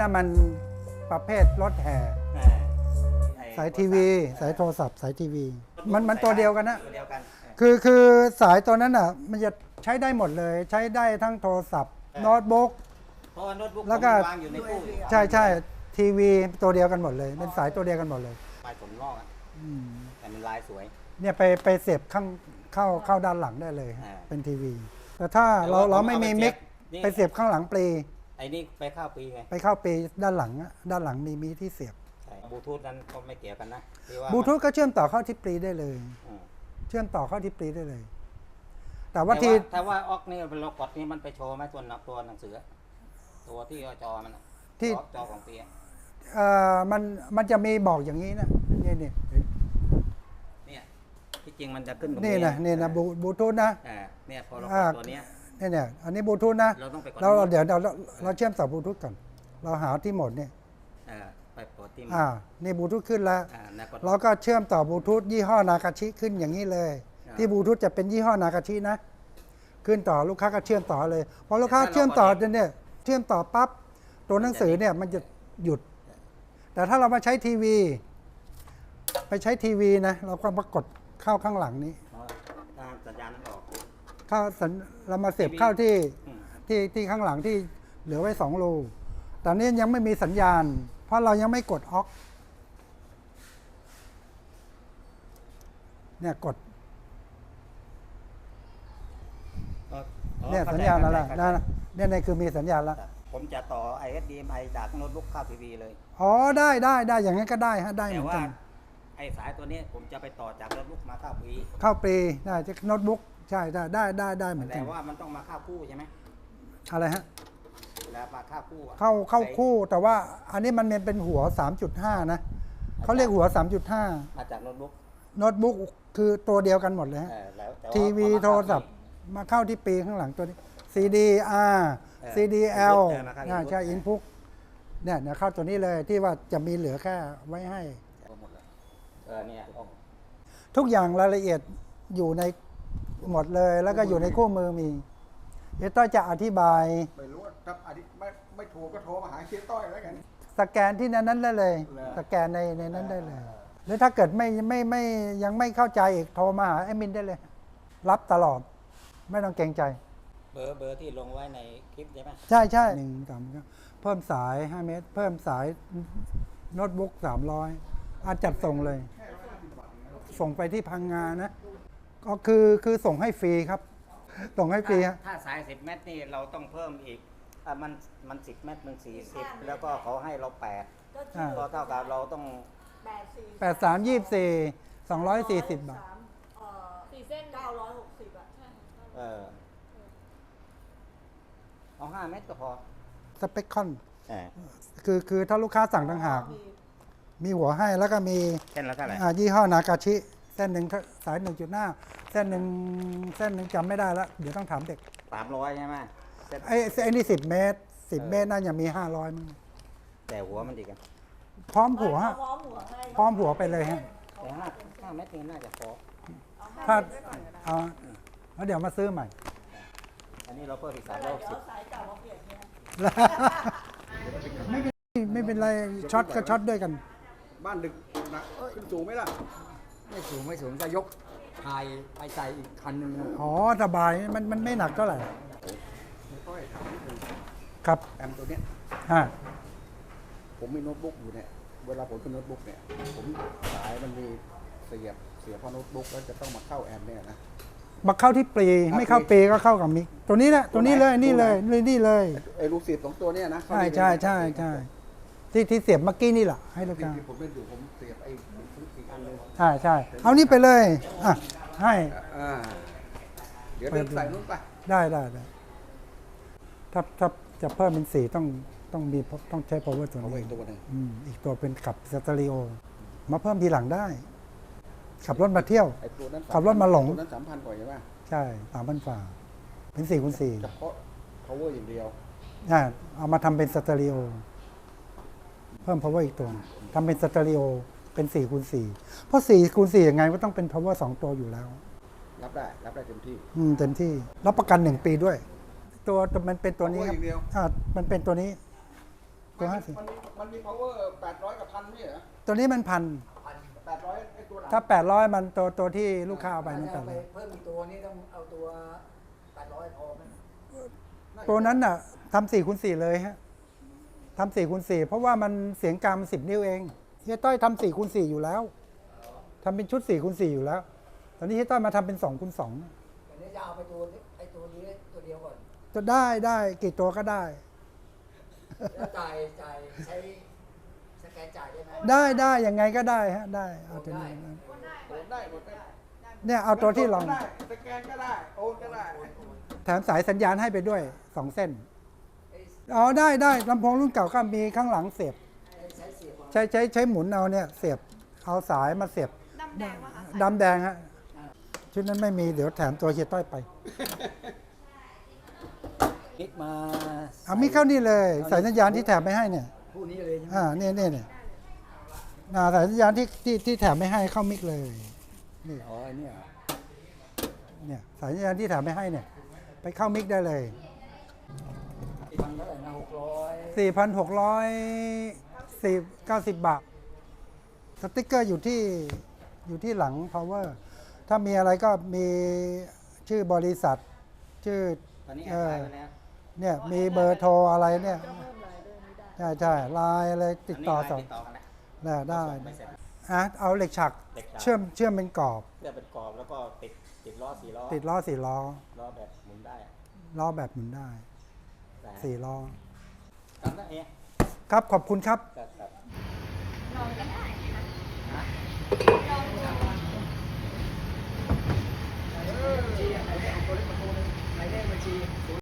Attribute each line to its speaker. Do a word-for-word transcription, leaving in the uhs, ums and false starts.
Speaker 1: นะมันประเภทรถแห่สายทีวีสายโทรศัพท์สายทีวีมันมันตัวเดียวกันนะคือคือสายตัวนั้นอ่ะมันจะใช้ได้หมดเลยใช้ได้ทั้งโทรศัพท์โน้ตบุ๊กแล้วก็ใช่ใช่ทีวีตัวเดียวกันหมดเลยเป็นสายตัวเดียวกันหมดเลย
Speaker 2: ลายผมลอกอ่ะแต่มันลายสวย
Speaker 1: เนี่ยไปไปเสียบข้างเข้าเข้าด้านหลังได้เลยเป็นทีวีแต่ถ้าเราเราไม่มีมิกไปเสียบข้างหลังปลี
Speaker 2: ไอ้นี่ไปเข้าปีไง
Speaker 1: ไปเข้าปลีด้านหลังด้านหลังมีมีที่เสียบบ
Speaker 2: ลูทูธนั้นก็ไม่เกี่ยวกันนะ
Speaker 1: บลูทูธก็เชื่อมต่อเข้าที่ปลีได้เลยเชื่อมต่อเข้าที่ปลีได้เลย แต่ว่าที่
Speaker 2: แต่ว่าออกนี่เป็นล็อกกดนี่มันไปโชว์ไหมตัวหนักตัวหนังสือตัวที่จอมันที่จอของปี
Speaker 1: เอ่อมันมันจะมีบอกอย่างนี้นะนี่นี่
Speaker 2: เนี่ยที่จริงมันจะขึ้น
Speaker 1: นี่นะนี่นะบลูทูธนะ
Speaker 2: เนี่ยพอเราตัวนี้
Speaker 1: นี่เนี่ยอันนี้บลูทูธนะเราเดี๋ยวเราเราเชื่อมต่อบลูทูธก่อนเราหาที่โหมดเนี่ย
Speaker 2: ไปปกติ
Speaker 1: อ่านี่บลูทูธขึ้นแล้วเราก็เชื่อมต่อบลูทูธยี่ห้อนากาชิขึ้นอย่างนี้เลยที่บลูทูธจะเป็นยี่ห้อนากาชินะขึ้นต่อลูกค้าก็เชื่อมต่อเลยพอลูกค้าเชื่อมต่อเนี่ยเชื่อมต่อปั๊บตัวหนังสือเนี่ยมันจะหยุดแต่ถ้าเรามาใช้ทีวีไปใช้ทีวีนะเราก็มากดเข้าข้างหลังนี้
Speaker 2: สัญญาณนั้นออก
Speaker 1: เข้าเรามาเสียบเข้าที่ที่ที่ข้างหลังที่เหลือไว้สองรูตอนนี้ยังไม่มีสัญญาณเพราะเรายังไม่กดออกเนี่ยกดเนี่ยสัญญาณแล้วล่ะเนี่ยในคือมีสัญญาณแล้ว
Speaker 2: ผมจะต่อ ไอ เอส ดี เอ็ม ไอ จากโน้ตบุ๊กเข้าทีวีเลย
Speaker 1: อ๋อได้ได้ได้อย่างนั้นก็ได้ฮะได้เหมือนกัน
Speaker 2: ไอ้สายตัวนี้ผมจะไปต่อจากโน้ตบุ๊กมาเข้าปี
Speaker 1: เข้าปีได้จากโน้ตบุ๊กใช่ได้ได้ได้ได้เหมือนกัน
Speaker 2: แต่ว่ามันต้องมาเข้าคู่ใช่ไหม
Speaker 1: อะไรฮะ
Speaker 2: แล้วมาเข้าคู่
Speaker 1: เข้าเข้าคู่แต่ว่าอันนี้มันเป็นหัว สามจุดห้า นะเขาเรียกหัว สามจุดห้า
Speaker 2: มาจากโน้ตบุ๊ก
Speaker 1: โน้ตบุ๊กคือตัวเดียวกันหมดเลยฮะทีวีโทรศัพท์มาเข้าที่ปีข้างหลังตัวนี้ ซี ดี อาร์ ซี ดี แอล ใช่อินพุตเนี่ยเดี๋ยวเข้าตัวนี้เลยที่ว่าจะมีเหลือแค่ไว้ให้ทุกอย่างรายละเอียดอยู่ในหมดเลยแล้วก็อยู่ในคู่มือมีเฮียต้อยจะอธิบาย
Speaker 3: ไม่รู้ถ้าไม่ไม่ถูกก็โทรมาหาเฮียต้อยแล้วกัน
Speaker 1: สแกนที่นั้นนั้นได้เลยสแกนในในนั้นได้เลยหรือถ้าเกิดไม่ไม่ไม่ยังไม่เข้าใจอีกโทรมาหาแอดมินได้เลยรับตลอดไม่ต้องเกรงใจ
Speaker 2: เบอร์เบอร์ที่ลงไว้ในคลิปใช่ไหม
Speaker 1: ใช่ใช่หนึ่งสามเพิ่มสายห้าเมตรเพิ่มสายโน้ตบุ๊กสามร้อยอาจัดส่งเลยส่งไปที่พังงานะก็คือคือส่งให้ฟรีครับส่งให้ฟรีฮะ
Speaker 2: ถ้าสายสิบเมตรนี่เราต้องเพิ่มอีกอ่ะมันมันสิบเมตรมันสี่สิบแล้วก็เขาให้เราแปดก็เท่ากับเราต้อง
Speaker 1: แปดสามยี่สิบสี่สองร้อยสี่สิบบาท
Speaker 4: สี่เส้นเก้าร้อยหกสิบอ่ะใช่
Speaker 2: เออเอาห้าเมตรก็พอ
Speaker 1: สเปคคอนคือคือถ้าลูกค้าสั่งต่างหากมีหัวให้แล้วก็มี
Speaker 2: เส้นละเท่าไหร่
Speaker 1: ยี่ห้อนากาชิเส้นหนึ่งสายหนึ่งจุดห้าเส้นหนึ่งเส้นหนึ่งจำไม่ได้แล้วเดี๋ยวต้องถามเด็ก
Speaker 2: สามร้อยใช่ไหม
Speaker 1: ไอ้ไอ้นี่สิบเมตรสิบเมตรน่าจะมีห้าร้อยมั้ง
Speaker 2: แต่หัวมันดีกัน
Speaker 1: พร้อมหัวพร้อมหัวไปเลยฮะ
Speaker 2: แต่ห้าห้าเมตรนี่น่าจะพอ
Speaker 1: ถ้าเอาแล้วเดี๋ยวมาซื้อใหม่
Speaker 2: อันนี้เราเพิ่มอีกสามร้อยสิบ
Speaker 1: ไม่เป็นไม่เป็นไรช็อตก็ช็อตด้วยกัน
Speaker 3: บ้านดึกนะขึ้นสูงไหมล่ะ
Speaker 5: ไม่สูงไม่สูงจะยกพายไปใส่อีกคันหนึ่ง
Speaker 1: อ๋อสบายมันมันไม่หนักเท่าไหร่ครับ
Speaker 3: แอมตัวเนี้ย
Speaker 1: ฮะ
Speaker 3: ผมมีโน้ตบุ๊กอยู่เนี่ยเวลาผมเป็นโน้ตบุ๊กเนี่ยผมสายมันมีเสียบเสียบพอโน้ตบุ๊กแล้วจะต้องมาเข้าแอมเนี่ยนะ
Speaker 1: มาเข้าที่ปลีไม่เข้าปลีก็เข้ากับมิกตัวนี้แหละตัวนี้เลยนี่เลยนี่เลย
Speaker 3: ไอ้ลูกศิษย์ของตัวเนี้ยนะ
Speaker 1: ใช่ใช่ใช่ใช่ที่ที่เสียบเมื่อกี้นี่แหละให้ลูกค้า
Speaker 3: ที่ผมเล่นอยู่ผมเสียบไอ้อีกอันนึง
Speaker 1: ใช่ใช่เอานี่ไปเลยอ่ะให้
Speaker 3: เดี๋ยวเดินใส่นู้นไป
Speaker 1: ได้ได้ได้ถ้าถ้าจะเพิ่มเป็นสีต้องต้องมีต้องใช้ power ตัวนี้
Speaker 3: ตัวนึง
Speaker 1: อีกตัวเป็นขับสเตอริโอมาเพิ่มทีหลังได้ขับรถมาเที่ยวขับรถมาหลง
Speaker 3: นั้นสามพันกว่าใช่ไหม
Speaker 1: ใช่สามพันฝ่าเป็นสี่คูณสี่
Speaker 3: เฉพาะ power อย่างเดียว
Speaker 1: อ่าเอามาทำเป็นสเตอริโอเพิ่ม power อีกตัวทำเป็นสเตอริโอเป็นสี่คูณสี่เพราะสี่คูณสี่ยังไงก็ต้องเป็น power สองตัวอยู่แล้ว
Speaker 3: รับได้รับได้เต็มที่
Speaker 1: อืมเต็มที่รับประกันหนึ่งปีด้วยตัวมันเป็นตัวนี้ครับอ่ามันเป็นตัวนี้ตัวห้าสิบ
Speaker 3: มันมีมันมี power แปดร้อยกับพันนี่เหรอ
Speaker 1: ตัวนี้มันพัน
Speaker 3: แปดร้อยไอ้ตัวหลัง
Speaker 1: ถ้าแปดร้อยมันตัวตัวที่ลูกค้าเอาไป
Speaker 5: ถ้า
Speaker 1: นั่น
Speaker 5: จะ
Speaker 1: แป
Speaker 5: เอา
Speaker 1: ด
Speaker 5: ไป
Speaker 1: ร้อย
Speaker 5: เพิ่มอีกตัวนี้ต้องเอาตัวแปดร้อยพอไหม
Speaker 1: ตัวนั้นน่ะทำสี่คูณสี่เลยฮะทำสี่คูณสี่เพราะว่ามันเสียงกลางสิบนิ้วเองเฮียต้อยทำสี่คูณสี่อยู่แล้วทำเป็นชุดสี่คูณสี่อยู่แล้ว ตอนนี้เฮียต้อยมาทำเป็นสองคูณสอง
Speaker 5: แต่นี้จะเอาไปตัวไอ้ตัวนี้ตัวเดียวก่อน
Speaker 1: จะได้ได้กี่ตัวก็ได้
Speaker 5: แล้วจ่ายจ่ายใช้สแกนจ่ายได้ไหม
Speaker 1: ได้ได้ยังไงก็ได้ฮะได้เอาตัวนี้
Speaker 3: โอนได้หมดได้
Speaker 1: เนี่ยเอาตัวที่ลอง
Speaker 3: ได้สแกนก็ได้โอนก็ได้
Speaker 1: แถมสายสัญญาณให้ไปด้วยสองเส้นอ๋อได้ได้ลำโพงรุ่นเก่าก็มีข้างหลังเสียบ
Speaker 5: ใช้เสียบเอา
Speaker 1: ใช้ใช้ใช้หมุนเอาเนี่ยเสียบเอาสายมาเสียบ
Speaker 4: ดำแดงวะคะ
Speaker 1: ดำแดงฮะชุดนั้นไม่มีเดี๋ยวแถมตัวเฮียต้อยไป
Speaker 5: คลิกมา
Speaker 1: เอามีเข้านี่เลยสายสัญญาณที่แถมไม่ให้เนี่ย
Speaker 5: ผู้นี้เลยใช่ไหม
Speaker 1: อ่าเนี่ยเนี่ยเนี่ยอ่าสายสัญญาณที่ที่ที่แถมไม่ให้เข้ามิกเลยนี่
Speaker 5: อ๋อไอ้เนี่ย
Speaker 1: เนี่ยสายสัญญาณที่แถมไม่ให้เนี่ย ไปเข้ามิกได้เลย
Speaker 5: พันเท่าไหร่นะหกร้อย
Speaker 1: สี่พันหกร้อยสี่เก้าสิบบาท สติ๊กเกอร์อยู่ที่อยู่ที่หลัง power ถ้ามีอะไรก็มีชื่อบริษัท ชื่อ
Speaker 2: ตอนนี้แอ
Speaker 1: เอ
Speaker 2: ดไล
Speaker 1: อ
Speaker 2: น์ไว้แล้ว
Speaker 1: เนี่ยมีเบอร์โทรอะไรเนี่ยใช่ใช่ไลน์อะไรติดต่อ
Speaker 2: อัน
Speaker 1: ส
Speaker 2: นี้
Speaker 1: อง
Speaker 2: ไลน์ติดต่อกันแล้ว
Speaker 1: ได้ได้
Speaker 2: ไม่เสร็จ
Speaker 1: อ่ะเอาเหล็กฉัก
Speaker 2: เหล็กฉาก
Speaker 1: เชื่อมเชื่อมเป็นกรอบ
Speaker 2: เพื่อเป็นกรอบแล้วก็ติดติดล้อสี่ล้อ
Speaker 1: ติดล้อสี่ล้อ
Speaker 2: ล้อแบบหมุนได้อะ
Speaker 1: ล้อแบบหมุนได้
Speaker 2: ได้
Speaker 1: สี่ล้อ
Speaker 2: ทำได้เอง
Speaker 1: ครับขอบคุณครับ
Speaker 2: ครับครับ
Speaker 4: ลองก็ได้นะคะ ลองดู
Speaker 5: บัญชีอะไรเนี่ยเอาตัวเลขมาตัวหนึงหมายเลขบัญชี